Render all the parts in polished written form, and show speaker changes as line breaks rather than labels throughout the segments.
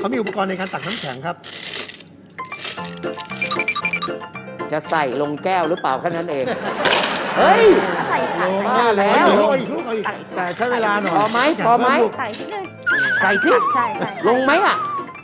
เขามีอุปกรณ์ในการตักน้ำแข็งครับ
จะใส่ลงแก้วหรือเปล่าแค่นั้นเอง เฮ้ย
ใส่ค่ะ
มาแล้ว
เอาอีกลูกเอาอีก
แต่ใช้เวลาหน่อย
พอไหมพอไหม
ใส่ที่เลย
ใส่ที่
ใช่ใช่
ลงไหมอ่ะ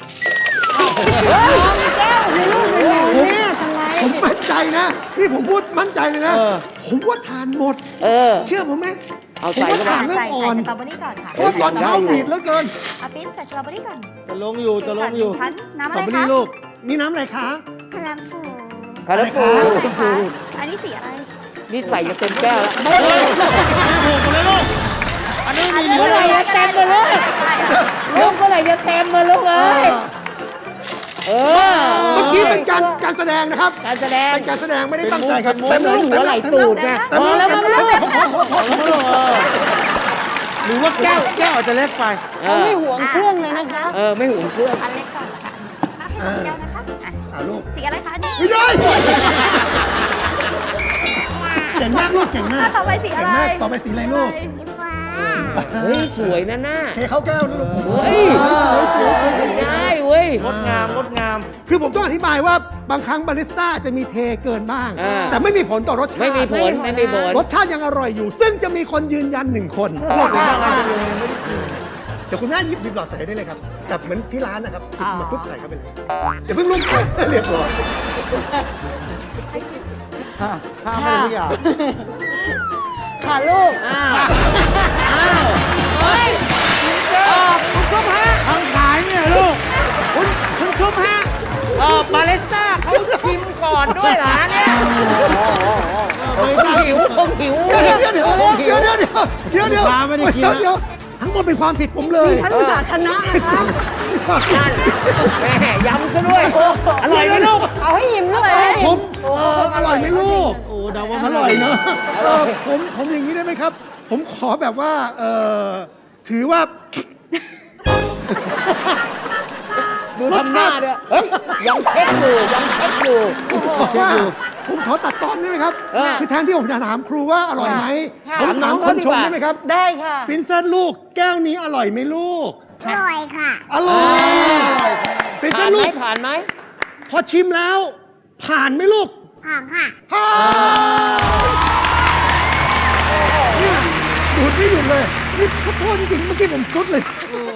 แก้วในลูกในหนูเนี่ยทำไม
ผมมั่นใจนะ นี่ผมพูดมั่นใจเลยนะ ผมว่าทานหมด
เออ
เชื่อผมไหม
เอา
ผม
ใส่
ว่า
เข้าไป
ทานเริ่ม
ใส่
อ่อน
สตรอเบอรี่ก่อนค่ะ
เพราะว่าตอนเช้าหนีดเหลือเกิน
อาปิ้นใส่สตรอเบอรี่ก่อน
จะลงอยู่จะลงอยู่
ชั้นน้ำ
ส
อะ
ตรอ
ไร
เบอ
คะ
รี่ลูกนี่น้ำอะไรคะ
คาราฟู
คาราฟู
อะไรคะอันนี้สีอะไร
นี่ใส่จะเต็มแก้วแล้ว
เฮ้ยไม่ถูกเลยลูก อันนี้มีเหลื
เมื่
อ
อไหร่จะเต็มมาเลยลูกเมื่อไหร่จะเต็มมาลูกเอ้ยเออ
เมื่อกี้เป็นการแสดงนะครับ
การแสดง
เป็นการแสดงไม่ได้ตั้งใจครับ
เป็นมุกเป็นมุกหัวไหล่ตูดไง
เต็มแล้ว
พอแล้ว
เต็มแล้ว
หรือว่าแก้วอาจจะเล็กไป
เขาไม่ห่วง
เครื่องเลยนะคะ
ไม่ห่วงเครื่อง
อันเล็กก่อนนะคะถ้าให้น้องแก้วนะคะอ่ะ
ลูก
สีอะไรคะอันนี้
ไม่ได้เก่งมากลูกเก่งมาก
ต่อไปสีอะไร
เก่งมากต่อไปสีอะไรลูก
เฮ้ยสวยนะหน้า
เทเข้าแก้วนะลูก
เฮ้ยได้เว้ย
งดงามงดงาม
คือผมต้องอธิบายว่าบางครั้งบาริสต้าจะมีเทเกินบ้าง
อ่า
แต่ไม่มีผลต่อรสชาติ
ไม่มีผลไม่มีผล
รสชาติยังอร่อยอยู่ ซึ่งจะมีคนยืนยัน1 คน
พูดถึงอะไรจะลงไม่ได้กิน
เดี๋ยวคุณแม่หยิบหลอดใส่ได้เลยครับแบบเหมือนที่ร้านนะครับหยิบมาปุ๊บใส่เข้าไปเลยอย่าเพิ่งลุ่มเรียบร้อย
ห้ามไม่ได้ทุกอย่าง
ค่ะลูก
อ้าวอ้าวเฮ้ยคุณชุบฮะ
ทางขายเนี่ยลูก
คุณชุบฮะบาเลสต้าเขาชิมก่อนด้วยเหรอเนี่ยคงหิว
เดี๋ยวทั้งหมดเป็นความผิดผมเลย
ฉันอุตส่าห์ชนะนะคะ
นั่นแม่ย้ำซะด้วย อร่อยไหมลูก
เอาให้ยิ้มลูก
ผมอร่อยไหมลูก
โอ้เดาว่า
อ
มัน
ร่อยเนอะผมอย่างนี้ได้ไหมครับ ผมขอแบบว่าถือว่า
ดูทำหน้าด้วยเฮ้ยยังเช็คอยู่ยังเช็คอยู่
ผมขอตัดตอนได้ไหมครับ
ะ
คือแทนที่ผมจะถามครูว่าอร่อยไหม
ค่ะ
ผมถามคนชมได้ไหมครับ
ได้ค่ะ
ปรินเซสลูกแก้วนี้อร่อยไหมลูก
อร่อยค่ะ
อร่อยปรินเซ
ผ่า
ส
นไห
ลู
ม
ก
ผ่านไหม
พอชิมแล้ว ผ่านไหมลูก
ผ่านค่ะ
ผ่านเนี่ยดูดไม่หยุดเลยนี่ขอโทษจริงๆเมื่อกี้ผมซุดเลย